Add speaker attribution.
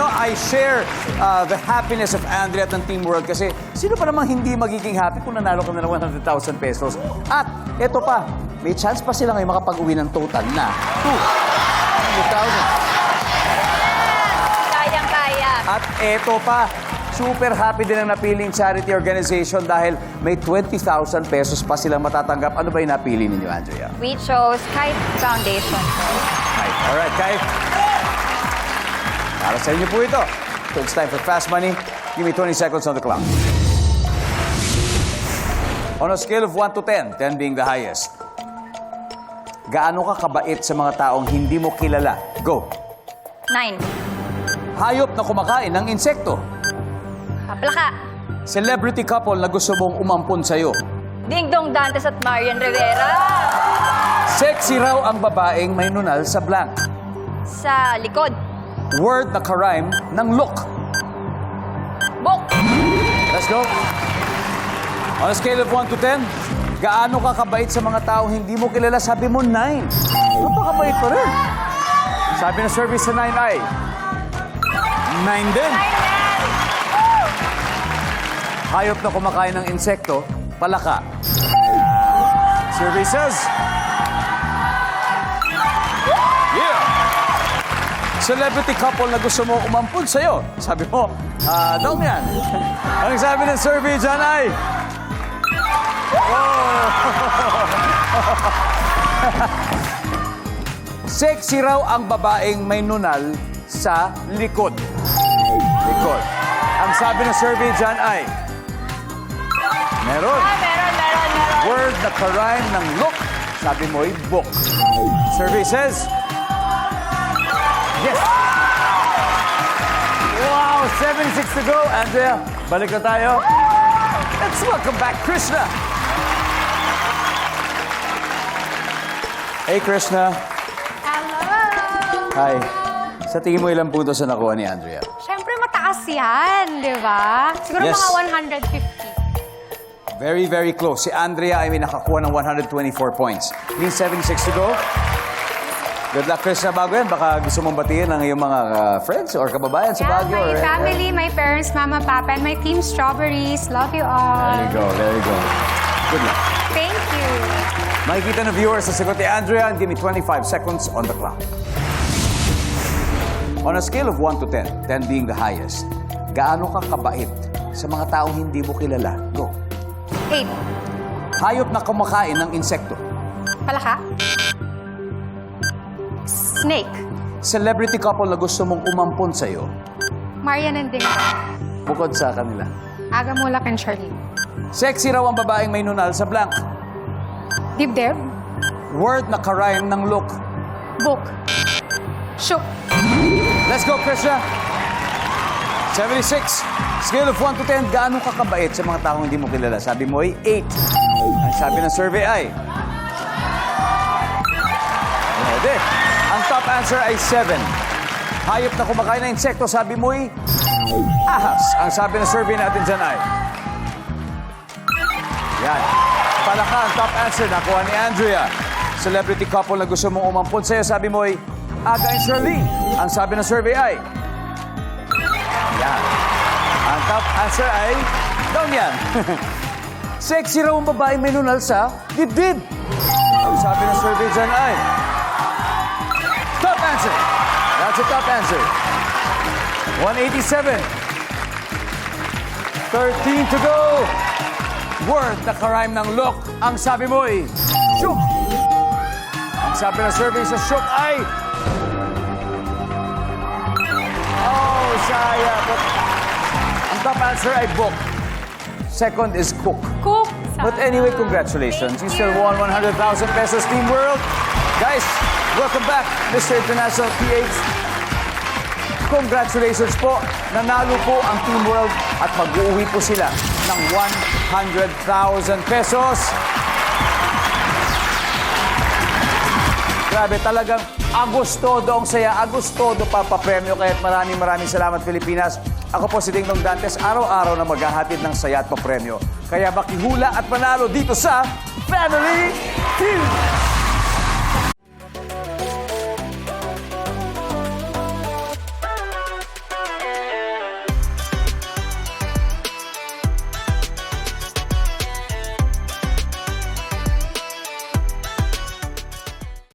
Speaker 1: I share the happiness of Andrea at ng Team World kasi sino pa namang hindi magiging happy kung nanalo ka na ng 100,000 pesos. At eto pa, may chance pa sila ngayon makapag-uwi ng total na 200,000.
Speaker 2: Kayang-kaya.
Speaker 1: At eto pa, super happy din ang napiling charity organization dahil may 20,000 pesos pa silang matatanggap. Ano ba yung napili ninyo, Andrea?
Speaker 2: We chose Kite Foundation.
Speaker 1: Alright, Kai. Para sa inyo po ito. So it's time for Fast Money. Give me 20 seconds on the clock. On a scale of 1 to 10, 10 being the highest, gaano ka kabait sa mga taong hindi mo kilala? Go.
Speaker 2: 9.
Speaker 1: Hayop na kumakain ng insekto.
Speaker 2: Plaka.
Speaker 1: Celebrity couple na gusto mong umampon sa'yo.
Speaker 2: Ding Dong Dantes at Marian Rivera.
Speaker 1: Sexy raw ang babaeng may nunal sa blank.
Speaker 2: Sa likod.
Speaker 1: Word na karime ng look.
Speaker 2: Book.
Speaker 1: Let's go. On a scale of 1 to 10, gaano ka kabait sa mga taong hindi mo kilala? Sabi mo 9. Napakabait pa rin. Sabi ng service sa 9 ay 9 din. Hayop na kumakain ng insekto, palaka. Survey says, yeah. Celebrity couple na gusto mo umampun sa'yo. Sabi mo, daw yan. Ang sabi ng survey dyan ay, sexy raw ang babaeng may nunal sa likod. Likod. Ang sabi ng survey dyan ay, meron.
Speaker 2: Meron.
Speaker 1: Word na karime ng look. Sabi mo'y book. Survey says, yes. Wow, 76 to go. Andrea, balik na tayo. Let's welcome back Krishna. Hey, Krishna.
Speaker 3: Hello!
Speaker 1: Hi. Sa tingin mo ilang puntos na nakuha ni Andrea?
Speaker 3: Siyempre mataas yan, di ba? Siguro
Speaker 1: Yes.
Speaker 3: mga 150.
Speaker 1: Very, very close. Si Andrea ay may nakakuha ng 124 points. Means 76 to go. Good luck, Krishna. Bago yan, baka gusto mong batiin ang iyong mga friends or kababayan sa Baguio.
Speaker 3: my
Speaker 1: or-
Speaker 3: family, my parents, mama, papa, and my team Strawberries. Love you all.
Speaker 1: There you go, there you go. Good luck.
Speaker 3: Thank you.
Speaker 1: Makikita ng viewers sa sagot ni Andrea and give me 25 seconds on the clock. On a scale of 1 to 10, 10 being the highest, gaano ka kabait sa mga taong hindi mo kilala? Go.
Speaker 3: 8.
Speaker 1: Hayop na kumakain ng insekto.
Speaker 3: Palaka. Snake.
Speaker 1: Celebrity couple na gusto mong umampon sa'yo,
Speaker 3: Marian and Ding Dong.
Speaker 1: bukod sa kanila.
Speaker 3: Aga Mulak and Charlene.
Speaker 1: Sexy raw ang babaeng may nunal sa blank.
Speaker 3: Dibdib.
Speaker 1: Word na karime ng look.
Speaker 3: Book. Shook.
Speaker 1: Let's go, Krishna. 76. Scale of 1 to 10, gaano ka kabait sa mga taong hindi mo kilala? Sabi mo ay 8. Ang sabi ng survey ay... Pwede. Ang top answer ay 7. Hayop na kumakain ng insekto, sabi mo ay... ahas. Ang sabi ng survey natin dyan ay... Yan. Palaka ang top answer. Nakuha ni Andrea. Celebrity couple na gusto mong umampun sa'yo, sabi mo ay... Aga and Charlene. Ang sabi ng survey ay... Yan. Ang top answer ay... down yan. Sexy raw ang babae may nunal sa dibdib. Ang sabi ng survey dyan ay... top answer. That's a top answer. 187. 13 to go. Word na karime ng look. Ang sabi mo ay... shook. Ang sabi ng survey sa shook ay... oh, sayang. But ang top answer ay book. Second is cook.
Speaker 3: Cook.
Speaker 1: But anyway, congratulations. You still won 100,000 pesos, Team World. Guys, welcome back, Mr. International PH. Congratulations po. Nanalo po ang Team World at mag-uuwi po sila ng 100,000 pesos. Grabe, talagang Agostodo ang saya. Agostodo papapremyo. Kaya't maraming salamat, Pilipinas. Ako po si Ding Dong Dantes. Araw-araw na maghahatid ng saya at papremyo. Kaya makihula at manalo dito sa Family Feud!